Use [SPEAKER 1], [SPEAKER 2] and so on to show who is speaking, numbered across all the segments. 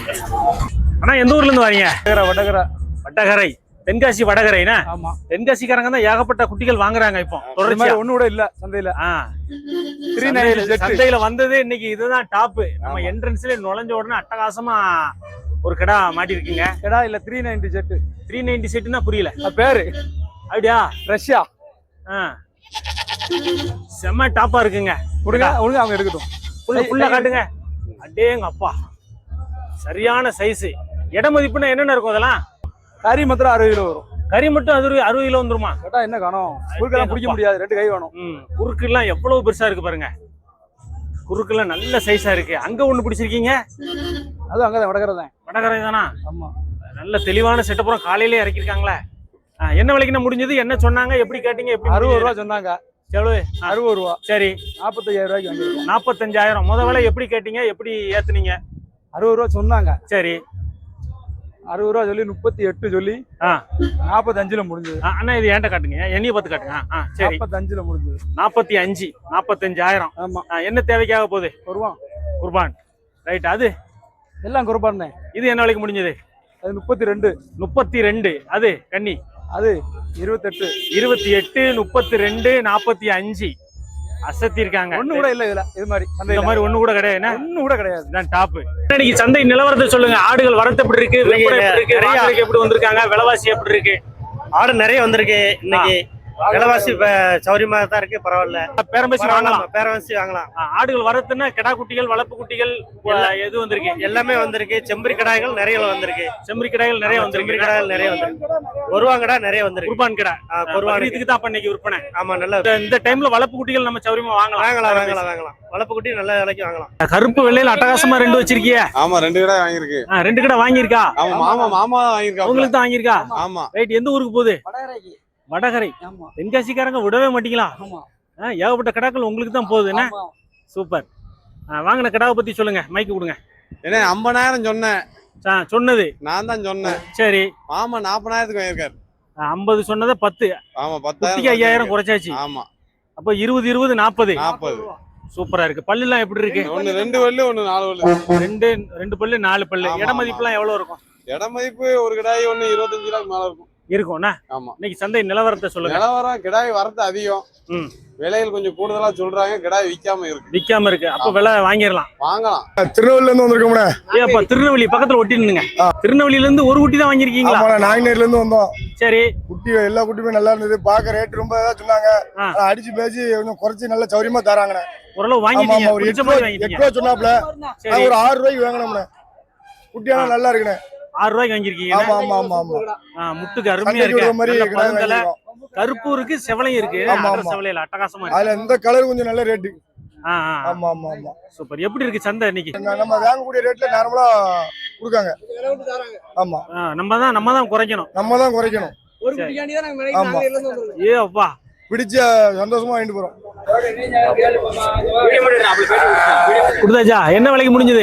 [SPEAKER 1] அண்ணா எந்த ஊர்ல இருந்து வரீங்க?
[SPEAKER 2] வடகரை.
[SPEAKER 1] வடகரை, தென்காசி வடகரைனா?
[SPEAKER 2] ஆமா.
[SPEAKER 1] தென்காசிக்காரங்க தான் ஏகப்பட்ட குட்டிகள் வாங்குறாங்க இப்போ. தொடர்ச்சியா
[SPEAKER 2] ஒண்ணு கூட இல்ல சந்தையில.
[SPEAKER 1] சந்தையில வந்தது இன்னைக்கு இதுதான் டாப். நம்ம என்ட்ரன்ஸ்ல நுழைஞ்ச உடனே அட்டகாசமா ஒரு கடா மாட்டி இருக்கீங்க.
[SPEAKER 2] கடா இல்ல 390 செட்.
[SPEAKER 1] 390 செட்னா புரியல
[SPEAKER 2] பேரு.
[SPEAKER 1] அப்படியா?
[SPEAKER 2] ரஷ்யா.
[SPEAKER 1] செம்ம டாப்பா இருக்குங்க.
[SPEAKER 2] கொடுங்க ஒழுங்கா அவங்க எடுக்கட்டும்.
[SPEAKER 1] ஃபுல்லா காட்டுங்க. அடேங்க அப்பா, சரியான சைஸ். இட மதிப்புனா என்னென்ன இருக்கும் அதெல்லாம்?
[SPEAKER 2] கறி மாத்திரம் 60 கிலோ வரும்.
[SPEAKER 1] கறி மட்டும் 60 கிலோ வந்துருமா?
[SPEAKER 2] கேட்டா என்ன காணும்? குறுக்கெல்லாம் பிடிக்க முடியாது, 2 கை வேணும்.
[SPEAKER 1] குறுக்கு எல்லாம் எவ்வளவு பெருசா இருக்கு பாருங்க. குறுக்கு எல்லாம் நல்ல சைஸா இருக்கு. அங்க ஒண்ணு பிடிச்சிருக்கீங்க?
[SPEAKER 2] அது அங்கதான் வடகரை தான்.
[SPEAKER 1] வடகரை தானா?
[SPEAKER 2] ஆமா.
[SPEAKER 1] நல்ல தெளிவான செட்டப்புறம் காலையிலே இறக்கிருக்காங்க. என்ன விலைக்குன்னு முடிஞ்சது? என்ன சொன்னாங்க? எப்படி கேட்டீங்க? எப்படி?
[SPEAKER 2] 60 ரூபா சொன்னாங்க.
[SPEAKER 1] எவ்வளவு?
[SPEAKER 2] 60 ரூபா.
[SPEAKER 1] சரி,
[SPEAKER 2] 45,000 ரூபாய்க்கு வந்து
[SPEAKER 1] 45,000. முத விலை எப்படி கேட்டீங்க? எப்படி ஏத்துனீங்க?
[SPEAKER 2] 60 ரூபா சொன்னாங்க.
[SPEAKER 1] சரி,
[SPEAKER 2] 60 ரூபா சொல்லி 38 சொல்லி 45ல முடிஞ்சது.
[SPEAKER 1] அண்ணா இது ஏன்ட்ட காட்டுங்க, என்னைய பார்த்து காட்டுங்க. சரி,
[SPEAKER 2] 45ல முடிஞ்சது.
[SPEAKER 1] 45,000.
[SPEAKER 2] ஆமா.
[SPEAKER 1] என்ன தேவைக்காக போகுது? குர்பான். ரைட். அது
[SPEAKER 2] எல்லாம் குர்பான்.
[SPEAKER 1] இது என்ன விலைக்கு முடிஞ்சது?
[SPEAKER 2] அது 32.
[SPEAKER 1] அது கன்னி.
[SPEAKER 2] அது 28,
[SPEAKER 1] 32, 45 அசத்தி இருக்காங்க.
[SPEAKER 2] ஒண்ணு கூட இல்ல இதுல. இது மாதிரி
[SPEAKER 1] இந்த மாதிரி ஒண்ணு கூட கிடையாது.
[SPEAKER 2] ஒண்ணு கூட கிடையாது.
[SPEAKER 1] இதான் டாப். இன்னைக்கு சந்தை நிலவரத்தை சொல்லுங்க. ஆடுகள் வரத்து எப்படி இருக்கு? விற்பனை எப்படி இருக்கு? வாங்குறதுக்கு எப்படி வந்திருக்காங்க? விலைவாசி எப்படி இருக்கு?
[SPEAKER 3] ஆடு நிறைய வந்திருக்கு இன்னைக்கு. விலைவாசி சௌரியமா தான் இருக்கு, பரவாயில்ல.
[SPEAKER 1] பேரம்பேசி வாங்கலாம்.
[SPEAKER 3] பேரம்பேசி வாங்கலாம்.
[SPEAKER 1] ஆடுகள் வரத்துன்னா கிடா குட்டிகள், வளர்ப்பு குட்டிகள் எது வந்திருக்கு?
[SPEAKER 3] எல்லாமே வந்திருக்கு. செம்பரி கடாய்கள் நிறைய வந்திருக்கு.
[SPEAKER 1] செம்பரி கடாய்கள் நிறைய வந்திருக்கு.
[SPEAKER 3] செம்பரி கடாய்கள் நிறைய வந்திருக்கு. ஒருவாங்கடா நிறைய வந்திருக்கு.
[SPEAKER 1] குர்பான் கடா.
[SPEAKER 3] குர்பானுக்கு
[SPEAKER 1] தான் இன்னைக்கு விற்பனை.
[SPEAKER 3] ஆமா, நல்ல.
[SPEAKER 1] இந்த டைம்ல வளர்ப்பு குட்டிகள் நம்ம சௌரியமா
[SPEAKER 3] வாங்கலாம். வளர்ப்பு குட்டி நல்ல விலைக்கு வாங்கலாம்.
[SPEAKER 1] கருப்பு வெள்ளையில அட்டகாசமா 2 வச்சிருக்கீங்க.
[SPEAKER 4] ஆமா, 2 கடை வாங்கிருக்கு.
[SPEAKER 1] 2 கடை வாங்கியிருக்கா?
[SPEAKER 4] மாமா வாங்கிருக்கா.
[SPEAKER 1] உங்களுக்கு தான் வாங்கியிருக்கா?
[SPEAKER 4] ஆமா.
[SPEAKER 1] ரைட். எந்த ஊருக்கு போகுது? வடகரை. தென்காசிக்காரங்க விடவே மாட்டீங்களா? ஏகப்பட்ட கடாக்கள் உங்களுக்கு தான் போகுது. என்ன சூப்பர். வாங்கின கடாவை பத்தி சொல்லுங்க. மைக்கு கொடுங்க.
[SPEAKER 4] என்ன 50,000 சொன்னேன்.
[SPEAKER 1] சொன்னது
[SPEAKER 4] நான் தான் சொன்னேன்.
[SPEAKER 1] சரி,
[SPEAKER 4] மாமா 40,000க்கு வாங்கிருக்காரு.
[SPEAKER 1] 50 சொன்னதை 10.
[SPEAKER 4] ஆமா, 10,000
[SPEAKER 1] 5,000 குறைச்சாச்சு.
[SPEAKER 4] ஆமா.
[SPEAKER 1] அப்ப 20, 40.
[SPEAKER 4] 40.
[SPEAKER 1] சூப்பரா இருக்கு. பல்லு எல்லாம் எப்படி இருக்கு?
[SPEAKER 4] ஒன்னு 2 பல்லு, ஒன்னு 4 பல்லு.
[SPEAKER 1] 2 பல்லு 4 பல்லு. இட மதிப்பு எல்லாம் எவ்வளவு இருக்கும்?
[SPEAKER 4] இட மதிப்பு ஒரு கிடாய் ஒன்னு 25 ரூபாய்க்கு மேல இருக்கும்.
[SPEAKER 1] இருக்கும்ண்ணா.
[SPEAKER 4] ஆமா.
[SPEAKER 1] இன்னைக்கு சந்தை நிலவரத்தை சொல்லுங்க.
[SPEAKER 4] நிலவரம் கிடாய் வரது அதிகம். விலைகள் கொஞ்சம் கூடுதலா சொல்றாங்க. கிடாய் விக்காம இருக்கு.
[SPEAKER 1] அப்ப விலை வாங்கிடலாம்.
[SPEAKER 4] வாங்கலாம்.
[SPEAKER 2] திருநெல்வேலில இருந்து வந்திருக்கோம்ல.
[SPEAKER 1] ஏப்பா, திருநெல்வேலி பக்கத்துல ஒட்டி நின்னுங்க. திருநெல்வேலில இருந்து ஒரு குட்டி தான் வாங்கிருக்கீங்களா?
[SPEAKER 2] நாங்குநேர்ல இருந்து வந்தோம்.
[SPEAKER 1] சரி.
[SPEAKER 2] குட்டி எல்லா குட்டியுமே நல்லா இருந்தது. பாக்க ரேட் ரொம்ப சொன்னாங்க. அடிச்சு பேசி கொஞ்சம் குறைச்சு நல்ல சௌரியமா தராங்க.
[SPEAKER 1] ஓரளவு வாங்கிட்டீங்க. ஒரு 8
[SPEAKER 2] ரூபா சொன்னாப்ல. ஒரு 6 ரூபாய்க்கு வாங்கினோம்ல. குட்டியெல்லாம் நல்லா இருக்குண்ணே.
[SPEAKER 1] 6 ரூபாய்க்கு வாங்கிருக்கீங்க. முட்டுக்கு அருமையா இருக்கு. கருப்பு இருக்கு, செவலையும் இருக்கு. செவலையில அட்டகாசமா இருக்கு.
[SPEAKER 2] அதுல இந்த கலர் கொஞ்சம் நல்ல ரேட்டு.
[SPEAKER 1] சூப்பர். எப்படி இருக்கு சந்தை இன்னைக்கு?
[SPEAKER 2] நம்ம வாங்கக்கூடிய ரேட்ல நார்மலா கொடுக்காங்க. ஆமா,
[SPEAKER 1] நம்ம தான் குறைக்கணும்.
[SPEAKER 2] ஆமா.
[SPEAKER 1] ஏ அப்பா,
[SPEAKER 2] பிடிச்ச சந்தோஷமா வாங்கிட்டு போறோம்.
[SPEAKER 1] குடுதாச்சா? என்ன விலைக்கு முடிஞ்சது?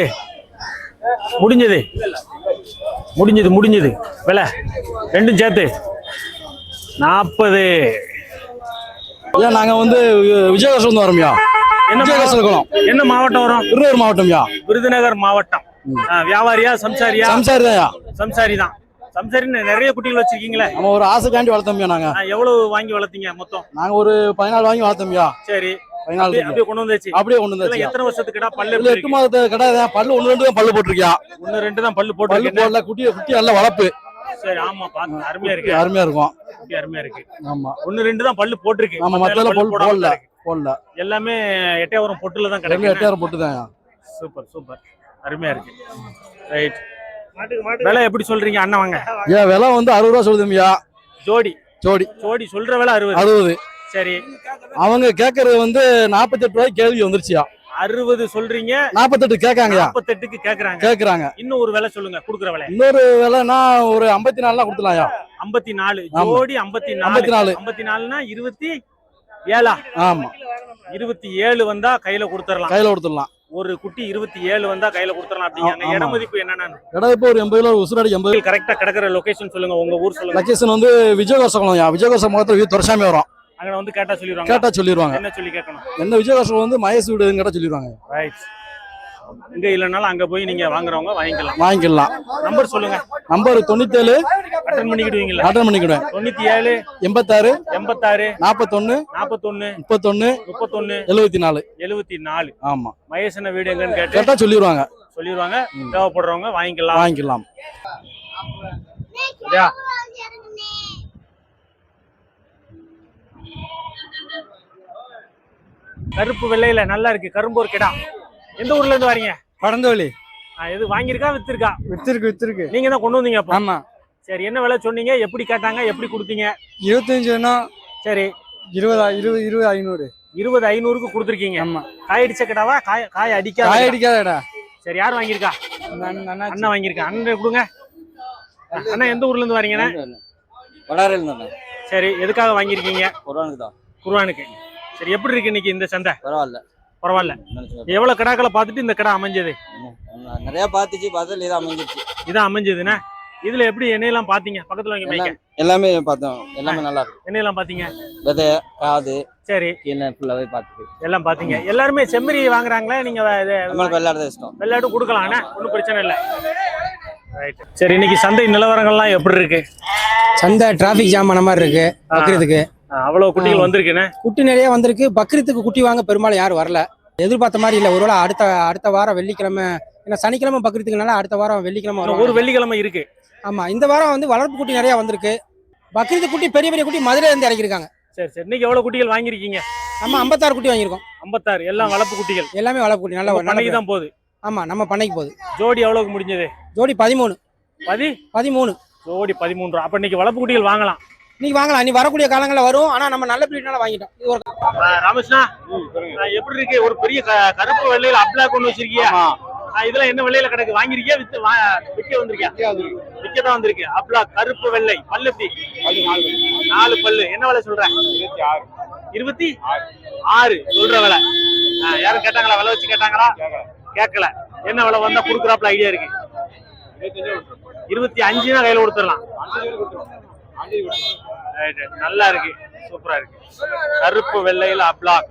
[SPEAKER 1] முடிஞ்சது விலை ரெண்டும் சேர்த்து 40.
[SPEAKER 5] நாங்க வந்து விஜயகாசம் வரோம்யா.
[SPEAKER 1] என்ன மாவட்டம் வரும்?
[SPEAKER 5] விருதுநகர் மாவட்டம்யா.
[SPEAKER 1] விருதுநகர் மாவட்டம். வியாபாரியா? சம்சாரியா? சம்சாரி தான். சம்சாரின்னு நிறைய குட்டிகள் வச்சிருக்கீங்களே.
[SPEAKER 5] நம்ம ஒரு ஆசைக்காண்டி வளர்த்தோம்யா. நாங்க
[SPEAKER 1] எவ்வளவு வாங்கி வளர்த்தீங்க மொத்தம்?
[SPEAKER 5] நாங்க ஒரு 14 வாங்கி வளர்த்தோம்யா.
[SPEAKER 1] சரி,
[SPEAKER 5] 14
[SPEAKER 1] அப்படியே கொண்டு வந்தாச்சு.
[SPEAKER 5] எத்தனை
[SPEAKER 1] வருஷத்துக்கு கடா? பல்லு
[SPEAKER 5] 8 மாதத்து கடை. பல்லு 1-2 தான் பல்லு போட்டிருக்கியா.
[SPEAKER 1] 1-2 தான் பல்லு போடல.
[SPEAKER 5] குட்டி நல்ல வளர்ப்பு.
[SPEAKER 1] சரி, ஆமா, பாத்து அருமையா இருக்கு. அருமையா இருக்கு. ஆமா, 1-2 தான் பல்லு போட்டிருக்கு.
[SPEAKER 5] ஆமா, மத்தல பல்லு போடல.
[SPEAKER 1] எல்லாமே எட்டையாவரம் பொட்டுல தான் கிடைக்கும்.
[SPEAKER 5] எட்டையாவரம் பொட்டு தான்.
[SPEAKER 1] சூப்பர். அருமையா இருக்கு. ரைட். விலை எப்படி சொல்றீங்க அண்ணா? வாங்க.
[SPEAKER 5] விலை வந்து 60 ரூபா சொல்லுதும்யா.
[SPEAKER 1] ஜோடி சொல்ற விலை
[SPEAKER 5] 60.
[SPEAKER 1] சரி,
[SPEAKER 5] அவங்க கேக்குறது வந்து 48 ரூபாய்க்கு கேள்வி வந்துருச்சியா.
[SPEAKER 1] 60 சொல்றீங்க,
[SPEAKER 5] 48 கேட்காங்க.
[SPEAKER 1] 48க்கு கேக்குறாங்க. இன்னும் ஒரு விலை சொல்லுங்க, குடுக்குற விலை.
[SPEAKER 5] இன்னொரு விலைனா ஒரு 54 கொடுத்துலாம்யா.
[SPEAKER 1] 54 ஜோடி. 54னா 27.
[SPEAKER 5] ஆமா,
[SPEAKER 1] 27 வந்தா கையில கொடுத்துடலாம். ஒரு குட்டி 27 வந்தா கையில கொடுத்துடலாம் அப்படிங்க. இட மதிப்பு என்னன்னா?
[SPEAKER 5] இட மதிப்பு ஒரு 80 கிலோ. உசுராடி 80.
[SPEAKER 1] கரெக்டா கிடக்குற லொகேஷன் சொல்லுங்க. உங்க ஊர் சொல்லுங்க.
[SPEAKER 5] லொகேஷன் வந்து விஜயகாசம்யா. விஜயகாசம் முகத்துல துரசாமி வரும்.
[SPEAKER 1] அங்க வந்து கேட்டா சொல்லிடுவாங்க.
[SPEAKER 5] என்ன சொல்லி கேட்கணும்? என்ன விஜயகாசம் வந்து மயசு வீடுன்னு கேட்டா சொல்லிடுவாங்க.
[SPEAKER 1] ரைட். இங்க இல்லைனாலும் அங்க போய் நீங்க வாங்குறவங்க
[SPEAKER 5] வாங்கிக்கலாம்.
[SPEAKER 1] நம்பர் சொல்லுங்க.
[SPEAKER 5] நம்பர் 97
[SPEAKER 1] அட்டன் பண்ணிக்கிடுவீங்களா?
[SPEAKER 5] அட்டன் பண்ணிக்கிடுவேன்.
[SPEAKER 1] 97
[SPEAKER 5] 86
[SPEAKER 1] 86
[SPEAKER 5] 41
[SPEAKER 1] 41
[SPEAKER 5] 31
[SPEAKER 1] 31
[SPEAKER 5] 74
[SPEAKER 1] 74.
[SPEAKER 5] ஆமா.
[SPEAKER 1] மகேசன வீடு எங்கன்னு
[SPEAKER 5] கேட்டா சொல்லிடுவாங்க.
[SPEAKER 1] தேவைப்படுறவங்க வாங்கிக்கலாம். சரியா? கருப்பு வெள்ளையில நல்லா இருக்கு. கரும்பூர் கிடா. எந்த ஊர்ல இருந்து வரீங்க?
[SPEAKER 5] படந்தோலி.
[SPEAKER 1] எது வாங்கியிருக்கா வித்திருக்கா?
[SPEAKER 5] வித்திருக்கு.
[SPEAKER 1] நீங்க தான் கொண்டு வந்தீங்க அப்போ?
[SPEAKER 5] ஆமா.
[SPEAKER 1] சரி, என்ன விலை சொன்னீங்க? எப்படி கேட்டாங்க? எப்படி கொடுத்தீங்க?
[SPEAKER 5] 25 வேணும்.
[SPEAKER 1] சரி,
[SPEAKER 5] 20 500.
[SPEAKER 1] 20,500க்கு கொடுத்துருக்கீங்க.
[SPEAKER 5] ஆமா.
[SPEAKER 1] காய் அடிச்ச கிடாவா? காய்
[SPEAKER 5] அடிக்காதடா.
[SPEAKER 1] சரி, யார் வாங்கியிருக்கா? அண்ணன் வாங்கியிருக்கா. அண்ணன் கொடுங்க. அண்ணா எந்த ஊர்ல இருந்து வரீங்கண்ணா?
[SPEAKER 5] வடாரில இருந்து.
[SPEAKER 1] சரி, எதுக்காக வாங்கியிருக்கீங்க?
[SPEAKER 5] குர்ஆனுக்கு தான்.
[SPEAKER 1] குர்ஆனுக்கு. சரி, எப்படி இருக்கு இன்னைக்கு இந்த சந்தை? பரவாயில்ல. எவ்வளவு கிடாக்களை பார்த்துட்டு இந்த கடை அமைஞ்சது?
[SPEAKER 5] நிறைய பார்த்ததுல
[SPEAKER 1] இதான் அமைஞ்சதுண்ணா. இதுல எப்படி எண்ணெயெல்லாம் பாத்தீங்க? பக்கத்துல வாங்கி மைக்க.
[SPEAKER 5] எல்லாமே பார்த்தோம். எல்லாமே நல்லா இருக்கு.
[SPEAKER 1] எண்ணெயெல்லாம் பாத்தீங்க?
[SPEAKER 5] விதை, காது,
[SPEAKER 1] சரி,
[SPEAKER 5] ஃபுல்லாவே பார்த்துட்டு
[SPEAKER 1] எல்லாம் பாத்தீங்க. எல்லாருமே செம்மறி வாங்குறாங்களா? நீங்க
[SPEAKER 5] வெள்ளாடு இஷ்டம்.
[SPEAKER 1] வெள்ளாடு கொடுக்கலாம்ண்ணா, ஒன்றும் பிரச்சனை இல்லை. ரைட். சரி, இன்னைக்கு சந்தை நிலவரங்கள்லாம் எப்படி இருக்கு?
[SPEAKER 6] சந்தை டிராபிக் ஜாம் ஆன மாதிரி இருக்கு. பக்ரீத்துக்கு
[SPEAKER 1] அவ்வளவு குட்டிகள் வந்திருக்குண்ணே.
[SPEAKER 6] குட்டி நிறைய வந்திருக்கு. பக்ரீத்துக்கு குட்டி வாங்க பெரும்பாலும் யாரும் வரல. எதிர்பார்த்த மாதிரி இல்ல. ஒருவேளை அடுத்த வாரம் வெள்ளிக்கிழமை, ஏன்னா சனிக்கிழமை பக்ரீத்துக்குனால அடுத்த வாரம் வெள்ளிக்கிழமை வரும்.
[SPEAKER 1] ஒரு வெள்ளிக்கிழமை இருக்கு.
[SPEAKER 6] ஆமா, இந்த வாரம் வந்து வளர்ப்பு குட்டி நிறைய வந்திருக்கு. பக்ரீத்து குட்டி பெரிய பெரிய குட்டி மதுரையில இருந்து இறக்கிருக்காங்க.
[SPEAKER 1] சரி, இன்னைக்கு எவ்வளவு குட்டிகள் வாங்கிருக்கீங்க?
[SPEAKER 6] நம்ம 56 குட்டி வாங்கியிருக்கோம்.
[SPEAKER 1] 56 எல்லாம் வளர்ப்பு குட்டிகள்.
[SPEAKER 6] எல்லாமே வளர்ப்பு குட்டி. நல்ல
[SPEAKER 1] பண்ணைக்கு தான் போகுது.
[SPEAKER 6] ஆமா, நம்ம பண்ணைக்கு போகுது.
[SPEAKER 1] ஜோடி எவ்வளவுக்கு முடிஞ்சது?
[SPEAKER 6] ஜோடி 13.
[SPEAKER 1] 13. ஜோடி 13. அப்ப இன்னைக்கு வளர்ப்பு குட்டிகள் வாங்கலாம்.
[SPEAKER 6] இன்னைக்கு வாங்கலாம். நீ வரக்கூடிய காலங்களில் வரும். ஆனா நம்ம நல்ல பிரீட்னால வாங்கிட்டோம். இது ஒரு
[SPEAKER 1] ராமகிருஷ்ணா, எப்படி இருக்கு? ஒரு பெரிய கருப்பு வெள்ளையில அப்ளாக் ஒண்ணு வச்சிருக்கியா? இதெல்லாம் என்ன வெள்ளையில கிடக்கு? வாங்கிருக்கியா? விற்க வந்திருக்கியா? விற்கதான் வந்திருக்கு. அப்ளாக் கருப்பு வெள்ளை. பல்லு எப்படி? 4 பல்லு. என்ன விலை சொல்ற? 26 சொல்ற விலை. யாரும் கேட்டாங்களா? விலை வச்சு கேட்டாங்களா? கேட்கல. என்ன விலை வந்தா குடுக்குறாப்ல ஐடியா இருக்கு? 25 கையில கொடுத்துடலாம். நல்லா இருக்கு, சூப்பரா இருக்கு. கருப்பு வெள்ளையில அப்ளாக்.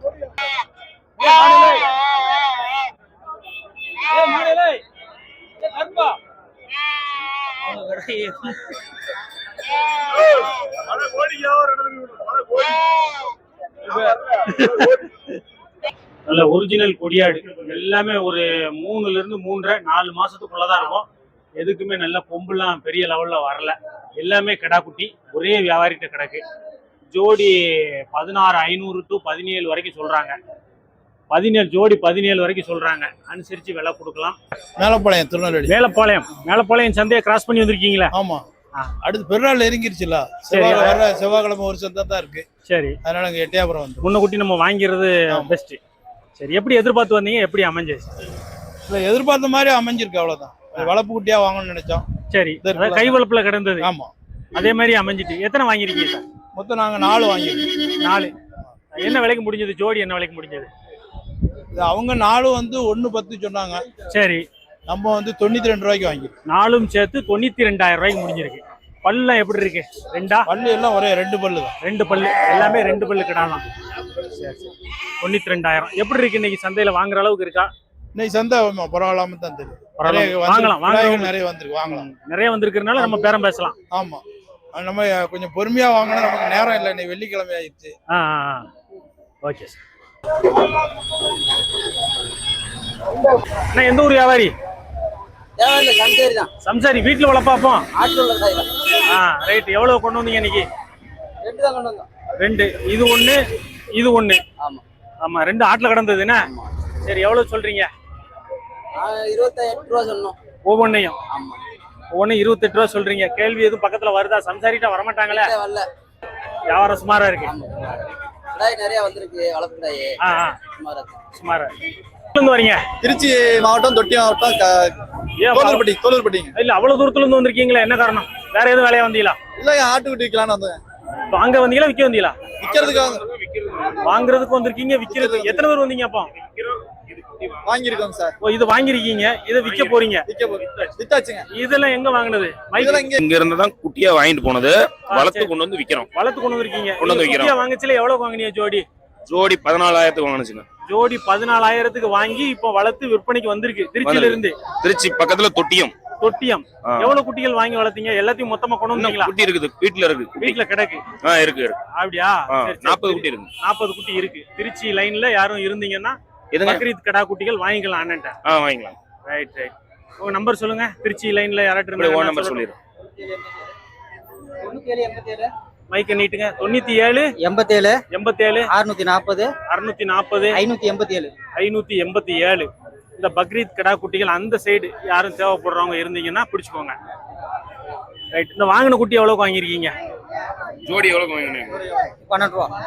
[SPEAKER 1] நல்ல ஒரிஜினல் கொடியாடு. எல்லாமே ஒரு 3ல இருந்து 3.5 4 மாசத்துக்குள்ளதான் இருக்கும். எதுக்குமே நல்ல கொம்புலாம் பெரிய லெவல்ல வரல. எல்லாமே கிடா குட்டி. ஒரே வியாபாரிட்ட கிடக்கு. ஜோடி 16,500 to 17 வரைக்கும் சொல்றாங்க. 17 ஜோடி 17 வரைக்கும் சொல்றாங்க. அனுசரிச்சு விலை கொடுக்கலாம்.
[SPEAKER 7] மேலப்பாளையம், திருநெல்வேலி.
[SPEAKER 1] மேலப்பாளையம் சந்தையை கிராஸ் பண்ணி வந்திருக்கீங்களா?
[SPEAKER 7] ஆமா. அடுத்து பெருநாள் நெருங்கிருச்சுல. செவ்வாய்க்கிழமை ஒரு சந்தை தான் இருக்கு. சரி, அதனால அங்க எட்டயபுரம் வந்து
[SPEAKER 1] முன்னக்குட்டி நம்ம வாங்கிறது பெஸ்ட். சரி, எப்படி எதிர்பார்த்து வந்தீங்க? எப்படி அமைஞ்சிச்சு?
[SPEAKER 7] இல்ல, எதிர்பார்த்த மாதிரி அமைஞ்சிருக்கு. அவ்வளவுதான். வளர்ப்பு குட்டியா வாங்கணும்னு நினைச்சோம்.
[SPEAKER 1] சரி, கை வளர்ப்புல கிடந்தது.
[SPEAKER 7] ஆமா,
[SPEAKER 1] அதே மாதிரி அமைஞ்சிட்டு. எத்தனை வாங்கிருக்கீங்க சார்?
[SPEAKER 7] மொத்தம் நாங்க 4 வாங்கிருக்கோம்.
[SPEAKER 1] 4. என்ன விலைக்கு முடிஞ்சது? ஜோடி என்ன விலைக்கு முடிஞ்சது?
[SPEAKER 7] அவங்க 4 வந்து 1.10 சொன்னாங்க.
[SPEAKER 1] சரி,
[SPEAKER 7] நம்ம வந்து 92 ரூபாய்க்கு வாங்கிருக்கோம்.
[SPEAKER 1] 4ம் சேர்த்து 92,000 ரூபாய்க்கு முடிஞ்சிருக்கு. பல்லாம் எப்படி இருக்கு? 2
[SPEAKER 7] பல்லு எல்லாம் ஒரே 2 பல்லு தான்.
[SPEAKER 1] 2 பல்லு. எல்லாமே 2 பல்லு கிடாலாம். சரி, 92,000. எப்படி இருக்கு இன்னைக்கு சந்தையில? வாங்குற அளவுக்கு இருக்கா?
[SPEAKER 7] இன்னைக்கு சந்தை பரவாயில்லாம தான் தெரியும்.
[SPEAKER 1] வாங்கலாம்.
[SPEAKER 7] நிறைய வந்திருக்கு. வாங்கலாம்.
[SPEAKER 1] நிறைய வந்திருக்கிறதுனால நம்ம பேரம் பேசலாம்.
[SPEAKER 7] ஆமா, நம்ம கொஞ்சம் பொறுமையா வாங்கினா நமக்கு நேரம் இல்லை. இன்னைக்கு வெள்ளிக்கிழமை ஆயிடுச்சு.
[SPEAKER 1] Okay sir. எந்த ஊர் வியாபாரி? சம்சாரி. வீட்டுல வளர்ப்பாப்போம். ரைட். எவ்வளவு கொண்டு வந்தீங்க இன்னைக்கு? 2. இது 1 இது 1. ஆமா, 2 ஆட்டுல கிடந்தது என்ன? சரி, எவ்வளவு சொல்றீங்க?
[SPEAKER 6] 28 ரூபா சொன்னோம்.
[SPEAKER 1] ஒவ்வொன்னையும் 28 ரூபா சொல்றீங்க. கேள்வி எதுவும் பக்கத்துல வருதா? சம்சாரிட்ட வரமாட்டாங்களே. வியாபாரம் சுமாரா இருக்கு.
[SPEAKER 6] நிறைய வந்திருக்கு. வளர்ப்பு
[SPEAKER 1] சுமாரா. வரீங்க?
[SPEAKER 2] திருச்சி மாவட்டம், தொட்டி மாவட்டம், தோலூர்பட்டி.
[SPEAKER 1] இல்ல, அவ்வளவு தூரத்துல இருந்து வந்திருக்கீங்களா? என்ன காரணம்? வேற எதுவும் வேலையா வந்தீங்களா?
[SPEAKER 2] இல்ல, ஆட்டுக்குட்டி விற்கலான்னு வந்தேன்.
[SPEAKER 1] வாங்க வந்தீங்களா? விற்க வந்தீங்களா?
[SPEAKER 2] விற்கிறதுக்கு.
[SPEAKER 1] வாங்குறதுக்கு வந்திருக்கீங்க, விற்கிறது. எத்தனை பேர் வந்தீங்க அப்போ?
[SPEAKER 2] வாங்கிருக்கோம் சார்.
[SPEAKER 1] இது வாங்கிருக்கீங்க, இதை விற்க போறீங்க.
[SPEAKER 2] வித்தாச்சுங்க.
[SPEAKER 1] இதெல்லாம் எங்க வாங்கினது?
[SPEAKER 8] இங்க இருந்து தான் குட்டியா வாங்கிட்டு போனது. வளர்த்து கொண்டு வந்து விக்கிறோம்.
[SPEAKER 1] வளர்த்து கொண்டு வந்திருக்கீங்க. குட்டியா வாங்கச்சுல எவ்வளவு வாங்கினீங்க ஜோடி?
[SPEAKER 8] ஜோடி 14,000 வாங்கினுச்சுங்க.
[SPEAKER 1] ஜோடி 14,000 வாங்கி இப்போ வளர்த்து விற்பனைக்கு வந்திருக்கு திருச்சியில இருந்து.
[SPEAKER 8] திருச்சி பக்கத்துல தொட்டியம்.
[SPEAKER 1] எவ்வளவு குட்டிகள் வாங்கி வளர்த்தீங்க? எல்லாத்தையும் மொத்தமா கொண்டு வந்தீங்களா?
[SPEAKER 8] குட்டி இருக்குது, வீட்டுல இருக்கு.
[SPEAKER 1] வீட்டுல கிடக்கு.
[SPEAKER 8] இருக்கு.
[SPEAKER 1] அப்படியா?
[SPEAKER 8] 40 குட்டி இருக்கு.
[SPEAKER 1] 40 குட்டி இருக்கு. திருச்சி லைன்ல யாரும் இருந்தீங்கன்னா பக்ரீத் கடா குட்டிகள் வாங்கிக்கலாம் அண்ணன்ட்ட.
[SPEAKER 8] வாங்கிக்கலாம்.
[SPEAKER 1] ரைட். உங்க நம்பர் சொல்லுங்க. திருச்சி லைன்ல யாராட்டு இருந்தா
[SPEAKER 8] நம்பர் சொல்லிடுறேன்.
[SPEAKER 1] மைக்க நீட்டுங்க. 97
[SPEAKER 6] 87
[SPEAKER 1] 87
[SPEAKER 6] 640
[SPEAKER 1] 640
[SPEAKER 6] 587
[SPEAKER 1] 587. இந்த பக்ரீத் கடா குட்டிகள் அந்த சைடு யாரும் தேவைப்படுறவங்க இருந்தீங்கன்னா பிடிச்சுக்கோங்க. ரைட். இந்த வாங்கின குட்டி எவ்வளவு வாங்கிருக்கீங்க?
[SPEAKER 8] ஜோடி எவ்வளவு வாங்கினீங்க?
[SPEAKER 6] 12 ரூபா.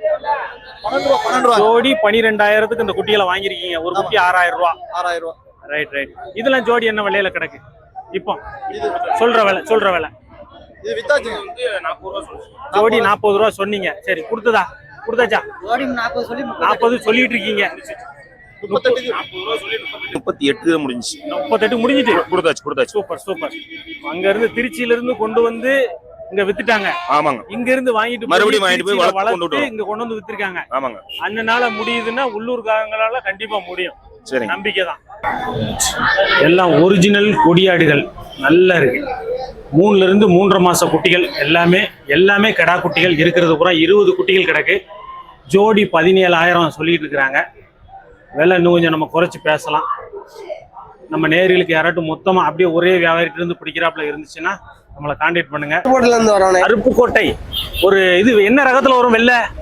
[SPEAKER 1] ஜோடி 12,000 இந்த குட்டிகளை வாங்கிருக்கீங்க. ஒரு குட்டி 6,000 ரூபா.
[SPEAKER 6] 6,000 ரூபா.
[SPEAKER 1] ரைட். இதெல்லாம் ஜோடி என்ன விலையில கிடக்கு இப்போ? சொல்ற விலை
[SPEAKER 6] இது வித்தாச்சு.
[SPEAKER 1] ஜோடி 40 ரூபா சொன்னீங்க. சரி, கொடுத்தாச்சா?
[SPEAKER 6] ஜோடி 40 சொல்லி
[SPEAKER 1] 40 சொல்லிட்டு இருக்கீங்க.
[SPEAKER 8] 38 முடிஞ்சிச்சு.
[SPEAKER 1] 38 முடிஞ்சிட்டு
[SPEAKER 8] கொடுத்தாச்சு.
[SPEAKER 1] சூப்பர். அங்க இருந்து திருச்சியில இருந்து கொண்டு வந்து இங்க வித்துட்டாங்க.
[SPEAKER 8] ஆமாங்க.
[SPEAKER 1] இங்க இருந்து
[SPEAKER 8] மறுபடியும் வாங்கிட்டு போய்
[SPEAKER 1] வளர்த்து இங்க கொண்டு வந்து வித்திருக்காங்க.
[SPEAKER 8] ஆமாங்க.
[SPEAKER 1] அண்ணனால முடியுதுன்னா உள்ளூர்காரங்களால கண்டிப்பா முடியும்.
[SPEAKER 8] சரி,
[SPEAKER 1] நம்பிக்கை தான். எல்லாம் ஒரிஜினல் கொடியாடுகள் நல்லா இருக்கு. 3ல இருந்து 3.5 மாச குட்டிகள் எல்லாமே கடா குட்டிகள் இருக்கிறது பூரா 20 குட்டிகள் கிடக்கு. ஜோடி 17,000 சொல்லிட்டு இருக்கிறாங்க. விலை இன்னும் கொஞ்சம் நம்ம குறைச்சி பேசலாம். நம்ம நேர்களுக்கு யாராட்டும் மொத்தமா அப்படியே ஒரே வியாபாரிட்டு இருந்து பிடிக்கிறாப்புல இருந்துச்சுன்னா நம்மளை கான்டாக்ட் பண்ணுங்க. அருப்புக்கோட்டை ஒரு இது என்ன ரகத்துல வரும்?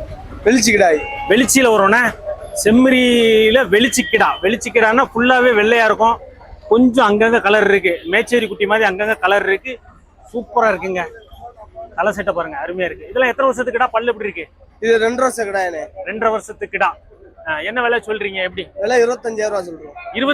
[SPEAKER 1] வெளிச்சியில வரும்னா செம்மறியில வெளிச்சிக்கிடான்னா ஃபுல்லாவே வெள்ளையா இருக்கும். கொஞ்சம் அங்கங்க கலர் இருக்கு. மேச்சேரி குட்டி மாதிரி அங்கங்க கலர் இருக்கு. சூப்பரா இருக்குங்க. கலர் செட்டை பாருங்க, அருமையா இருக்கு. இதெல்லாம் எத்தனை வருஷத்துக்குடா? பல்லு எப்படி இருக்கு?
[SPEAKER 2] இது 2 வருஷம் கிடா.
[SPEAKER 1] 2.5 வருஷத்துக்குடா. என்ன விலை சொல்றீங்க? எப்படி
[SPEAKER 2] விலை? 25,000 ரூபா சொல்றோம்.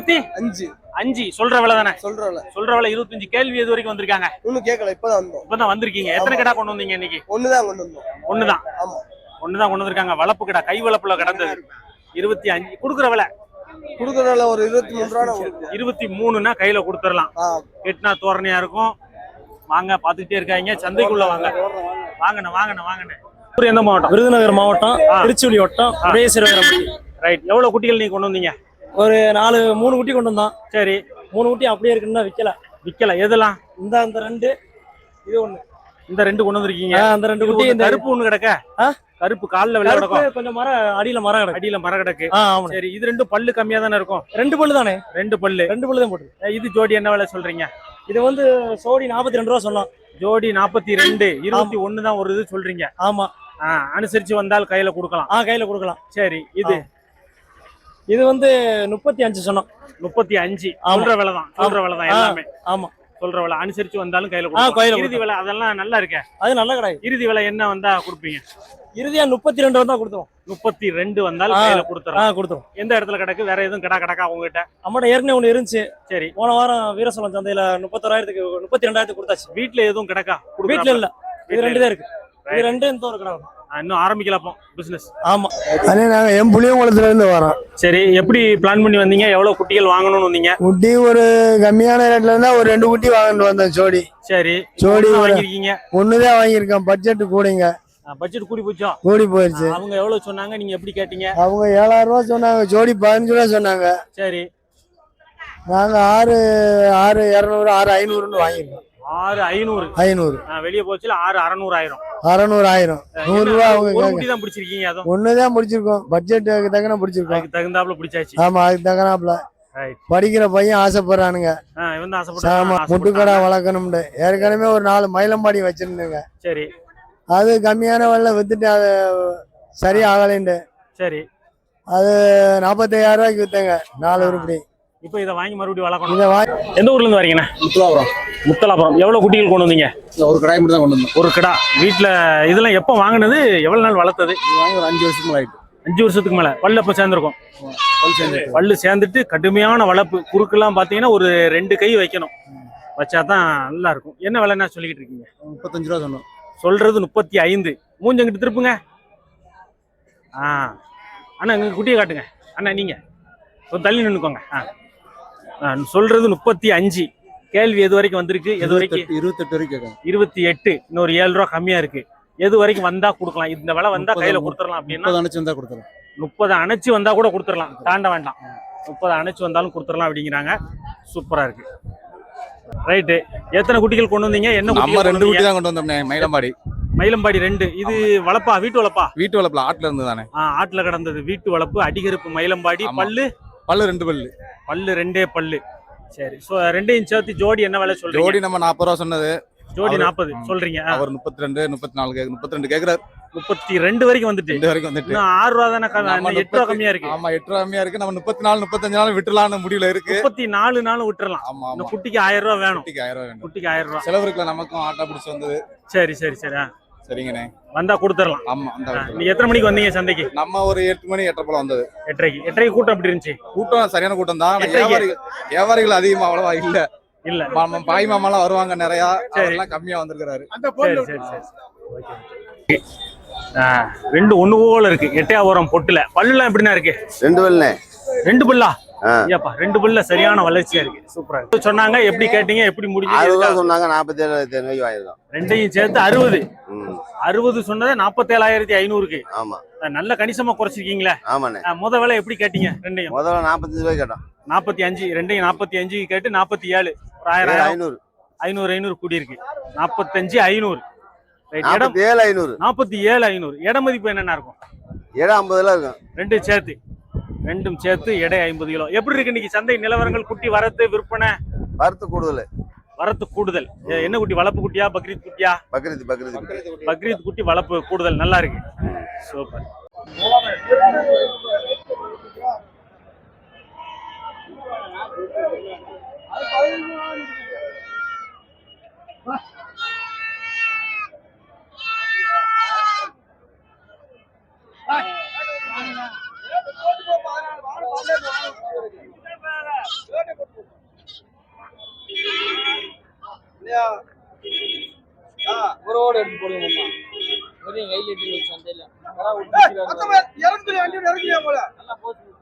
[SPEAKER 1] 25 சொல்ற விலை தானே? சொல்ற விலை 25. கேள்வி எது வரைக்கும் வந்திருக்காங்க?
[SPEAKER 2] இன்னும் கேட்கல. இப்பதான்
[SPEAKER 1] வந்திருக்கீங்க. எத்தனை கடா கொண்டு வந்தீங்க இன்னைக்கு?
[SPEAKER 2] ஒண்ணுதான் கொண்டு வந்தோம்.
[SPEAKER 1] ஒண்ணுதான்.
[SPEAKER 2] ஆமா,
[SPEAKER 1] ஒண்ணுதான் கொண்டு வந்திருக்காங்க. வளர்ப்பு கடா, கை வளர்ப்புல கடந்தது. 25 கொடுக்குற விலை
[SPEAKER 2] ஒரு 23 ரூபா.
[SPEAKER 1] 23னா கையில கொடுத்துடலாம். கெட்டினா தோரணையா இருக்கும். வாங்க, பாத்துக்கிட்டே இருக்காங்க. சந்தைக்குள்ள வாங்கண்ணே. எந்த மாவட்டம்?
[SPEAKER 3] விருதுநகர் மாவட்டம், திருச்சுழி வட்டம், உதயசிரவரம்பட்டி.
[SPEAKER 1] ரைட். எவ்வளவு குட்டிகள் நீங்க கொண்டு வந்தீங்க?
[SPEAKER 3] ஒரு 3 குட்டி கொண்டு வந்தோம்.
[SPEAKER 1] சரி,
[SPEAKER 3] 3 குட்டி அப்படியே இருக்குன்னா விக்கல.
[SPEAKER 1] எதெல்லாம்?
[SPEAKER 3] இந்த 2, இது 1.
[SPEAKER 1] இந்த 2 கொண்டு வந்திருக்கீங்க.
[SPEAKER 3] அந்த 2 குட்டி. இந்த
[SPEAKER 1] கருப்பு ஒண்ணு கிடக்க. கருப்பு கால்ல வெள்ள கிடக்கும்.
[SPEAKER 3] கொஞ்சம் அடியில மரம் கிடக்கு.
[SPEAKER 1] சரி, இது 2 பல்லு கம்மியா தானே இருக்கும்?
[SPEAKER 3] 2 பல்லு தானே?
[SPEAKER 1] 2 பல்லு தான் போட்டு. இது ஜோடி என்ன விலை சொல்றீங்க?
[SPEAKER 3] இது வந்து ஜோடி 42 ரூபா சொல்லலாம்.
[SPEAKER 1] ஜோடி 42. 21 தான் ஒரு இது சொல்றீங்க.
[SPEAKER 3] ஆமா.
[SPEAKER 1] அனுசரிச்சு வந்தால் கையில கொடுக்கலாம்.
[SPEAKER 3] கையில கொடுக்கலாம்.
[SPEAKER 1] சரி, இது
[SPEAKER 3] வந்து 35 சொன்னோம்.
[SPEAKER 1] 35 சொல்ற விலை தான் எல்லாமே.
[SPEAKER 3] ஆமா,
[SPEAKER 1] சொல்ற விலை அனுசரிச்சு வந்தாலும் கையில கொடுக்கலாம். இறுதி விலை அதெல்லாம் நல்லா இருக்கே.
[SPEAKER 3] அது நல்ல கடை.
[SPEAKER 1] இறுதி விலை என்ன வந்தா கொடுப்பீங்க?
[SPEAKER 3] இறுதியா 32 வந்தா கொடுத்துரும்.
[SPEAKER 1] 32 வந்தாலும் கையில கொடுத்துறோம். எந்த இடத்துல கிடக்கு? வேற எதுவும் கடா உங்ககிட்ட?
[SPEAKER 3] நம்மகிட்ட ஏற்கனவே ஒண்ணு இருந்துச்சு.
[SPEAKER 1] சரி,
[SPEAKER 3] போன வாரம் வீரசோழம் சந்தையில 31,000க்கு 32,000 கொடுத்தாச்சு.
[SPEAKER 1] வீட்டுல எதுவும் கிடக்கா?
[SPEAKER 3] வீட்டுல இல்ல. இது 2 தான் இருக்கு. இது 2 இந்த ஒரு கடை.
[SPEAKER 1] இன்னும் ஆரம்பிக்கல பிசினஸ்.
[SPEAKER 3] ஆமா,
[SPEAKER 2] அதே நாங்க புளியங்குளத்துல இருந்து வரோம்.
[SPEAKER 1] சரி, எப்படி பிளான் பண்ணி வந்தீங்க? எவ்வளவு குட்டிகள் வாங்கணும்னு வந்தீங்க?
[SPEAKER 2] குட்டி ஒரு கம்மியான ரேட்ல இருந்தா ஒரு 2 குட்டி வாங்கிட்டு வந்தோம். ஜோடி
[SPEAKER 1] வாங்கிருக்கீங்க?
[SPEAKER 2] ஒண்ணுதான் வாங்கியிருக்கேன். பட்ஜெட் கூடிங்க.
[SPEAKER 1] பட்ஜெட் கூடி
[SPEAKER 2] போயிருச்சு.
[SPEAKER 1] அவங்க எவ்வளவு சொன்னாங்க? நீங்க எப்படி கேட்டீங்க?
[SPEAKER 2] அவங்க 7,000 ரூபா சொன்னாங்க. ஜோடி 15 ரூபா சொன்னாங்க.
[SPEAKER 1] சரி,
[SPEAKER 2] நாங்க 6,200 6,500 வாங்கிருக்கோம்.
[SPEAKER 1] 6,500 வெளியே போச்சுல. 6,600
[SPEAKER 2] 6,000 100 ரூபா அவங்க
[SPEAKER 1] தான் பிடிச்சிருக்கீங்க. அதுவும்
[SPEAKER 2] ஒண்ணுதான் பிடிச்சிருக்கோம். பட்ஜெட்டுக்கு தக்கன பிடிச்சிருக்கோம்.
[SPEAKER 1] அதுக்கு தகுந்தாப்புல பிடிச்சாச்சு.
[SPEAKER 2] ஆமா, அதுக்கு தக்கனாப்புல படிக்கிற பையன் ஆசைப்படுறானுங்க. முட்டுக்கடை வளர்க்கணும்னு ஏற்கனவே ஒரு 4 மயிலம்பாடி வச்சிருந்தேங்க.
[SPEAKER 1] சரி,
[SPEAKER 2] அது கம்மியான விலை வித்துட்டு அது சரியா ஆகலைண்டு.
[SPEAKER 1] சரி,
[SPEAKER 2] அது 45,000 ரூபாய்க்கு வித்தேங்க. 4 உருப்படி.
[SPEAKER 1] இப்போ இதை வாங்கி மறுபடியும் வளர்க்கணும். எந்த ஊர்ல இருந்து வரீங்கண்ணா? முத்தலாபுரம். எவ்வளவு குட்டிகள் கொண்டு வந்தீங்க?
[SPEAKER 2] ஒரு கடை மட்டும் தான் கொண்டு வந்தோம்.
[SPEAKER 1] ஒரு கடா. வீட்டுல இதெல்லாம் எப்ப வாங்கினது? எவ்வளவு நாள் வளர்த்தது?
[SPEAKER 2] ஒரு 5 வருஷத்துக்கு மேல ஆயிட்டு.
[SPEAKER 1] 5 வருஷத்துக்கு மேல. பல்லு அப்ப சேர்ந்துருக்கும். பல்லு சேர்ந்துட்டு கடுமையான வளர்ப்பு. குறுக்கெல்லாம் பாத்தீங்கன்னா ஒரு 2 கை வைக்கணும். வச்சாதான் நல்லா இருக்கும். என்ன விலைன்னா சொல்லிக்கிட்டு இருக்கீங்க?
[SPEAKER 2] 35 ரூபா சொன்னோம்.
[SPEAKER 1] சொல்றது 35. மூஞ்சங்கிட்டு திருப்புங்க. அண்ணா இங்க குட்டியை காட்டுங்க. அண்ணா நீங்க கொஞ்சம் தள்ளி நின்னுக்கோங்க. சொல்றது 35. கேள்வி எது வரைக்கும் வந்திருக்கு? எது வரைக்கும்?
[SPEAKER 2] 28 வரைக்கும்.
[SPEAKER 1] 28. இன்னொரு 7 ரூபா கம்மியா இருக்கு. எது வரைக்கும் வந்தா கொடுக்கலாம்? இந்த விலை வந்தா கையில கொடுத்துடலாம் அப்படின்னா
[SPEAKER 7] 30 அணைச்சு வந்தா கொடுத்துறோம்.
[SPEAKER 1] 30 அணைச்சு வந்தா கூட கொடுத்துடலாம், தாண்ட வேண்டாம். 30 அணைச்சு வந்தாலும் கொடுத்துடலாம் அப்படிங்கிறாங்க. சூப்பரா இருக்கு. ரைட்டு. எத்தனை குட்டிகள் கொண்டு வந்தீங்க? என்ன
[SPEAKER 5] நம்ம
[SPEAKER 1] குட்டி?
[SPEAKER 5] 2 குட்டி தான் கொண்டு வந்தோம்னே, மயிலம்பாடி.
[SPEAKER 1] மயிலம்பாடி 2. இது வளப்பா, வீட்டு வளப்பா?
[SPEAKER 5] வீட்டு வளப்புல ஆட்டுல இருந்து தானே.
[SPEAKER 1] ஆட்டுல கிடந்தது வீட்டு வளப்பு, அடிகருப்பு மயிலம்பாடி. பல்லு
[SPEAKER 5] 2 பல்லு.
[SPEAKER 1] பல்லு 2 பல்லு. சரி. சோ 2 சேர்த்து ஜோடி என்ன விலை சொல்றீங்க?
[SPEAKER 5] ஜோடி நம்ம 40 ரூபா சொன்னது.
[SPEAKER 1] ஜோடி 40 சொல்றீங்க.
[SPEAKER 5] அவர் 32 34 32 கேக்குறாரு.
[SPEAKER 1] 32 வரைக்கும் வந்துட்டு.
[SPEAKER 5] 2 வரைக்கும் வந்துட்டு.
[SPEAKER 1] இன்னும் 6 ரூபா தானே, 8 ரூபா கம்மியா இருக்கு.
[SPEAKER 5] ஆமா 8 ரூபா கம்மியா இருக்கு. நம்ம 34 35 நாள் விட்டுலாம்னு முடிவுல இருக்கு.
[SPEAKER 1] 34 நாள் விட்டுறலாம்.
[SPEAKER 5] ஆமா
[SPEAKER 1] இந்த
[SPEAKER 5] ஆமா.
[SPEAKER 1] குட்டிக்கு 1000 ரூபா வேணும்.
[SPEAKER 5] குட்டிக்கு 1000 ரூபா வேணும்.
[SPEAKER 1] குட்டிக்கு 1000 ரூபா
[SPEAKER 5] செலவு இருக்குல, நமக்கும் ஆட்டா பிடிச்சு வந்தது.
[SPEAKER 1] சரி சரி சரி.
[SPEAKER 5] சரிங்கண்ணே.
[SPEAKER 1] வந்தா கொடுத்துடலாம்.
[SPEAKER 5] ஆமா அந்த
[SPEAKER 1] நீ எத்தனை மணிக்கு வந்தீங்க சந்தைக்கு?
[SPEAKER 5] நம்ம ஒரு 8 மணி 8:30 போல வந்தது.
[SPEAKER 1] 8:30 கூட்டம் எப்படி இருந்துச்சு?
[SPEAKER 5] கூட்டம் சரியான கூட்டம் தான்.
[SPEAKER 1] எட்டரைக்கு?
[SPEAKER 5] வியாபாரிகள் அதிகமா அவ்வளவா இல்ல.
[SPEAKER 1] இல்ல.
[SPEAKER 5] பாய் மாமாலாம் வருவாங்க நிறைய, அதெல்லாம் கம்மியா வந்திருக்காரு.
[SPEAKER 1] சரி சரி சரி. 2 ஒண்ணு போல இருக்கு. எட்டையாபுரம் பொட்டுல பல்லுலாம் எப்படின்னா இருக்கு?
[SPEAKER 9] 2 பல்லுண்ணே.
[SPEAKER 1] 2 பல்லா? ஐயாப்பா 2 பல்ல சரியான வளர்ச்சியா இருக்கு. சூப்பரா இருக்கு. சொன்னாங்க, எப்படி கேட்டீங்க, எப்படி
[SPEAKER 9] 60
[SPEAKER 1] முடிஞ்சது?
[SPEAKER 9] ரூபா சொன்னாங்க, 47,500 ரூபாய்க்கு வாங்கிருக்கோம்.
[SPEAKER 1] ரெண்டையும் சேர்த்து 60. 60 சொன்னதை 47,500க்கு.
[SPEAKER 9] ஆமா.
[SPEAKER 1] நல்ல கணிசமா குறைச்சிருக்கீங்களே.
[SPEAKER 9] ஆமாண்ணே.
[SPEAKER 1] முத விலை எப்படி கேட்டீங்க? ரெண்டையும்
[SPEAKER 9] முதல்ல 45 ரூபாய்க்கு கேட்டோம்.
[SPEAKER 1] 45. ரெண்டையும் 45 கேட்டு 47. 1000 500 கூடி இருக்கு. 45 500. இடம்
[SPEAKER 9] 47,500.
[SPEAKER 1] 47,500. இட மதிப்பு என்னென்ன இருக்கும்?
[SPEAKER 9] இடம் 50 இருக்கும்.
[SPEAKER 1] ரெண்டும் சேர்த்து எடை 50 கிலோ. எப்படி இருக்கு இன்னைக்கு சந்தை நிலவரங்கள்? குட்டி வரத்து விற்பனை?
[SPEAKER 9] வரத்து கூடுதல்.
[SPEAKER 1] வரத்து கூடுதல். என்ன குட்டி? வளப்பு குட்டியா, பக்ரீத் குட்டியா? பக்ரீத் குட்டி வளப்பு கூடுதல். நல்லா இருக்கு. சூப்பர்.
[SPEAKER 10] ஒருவோடு எடுத்து போடுங்க. கையில் எட்டி சந்தையில்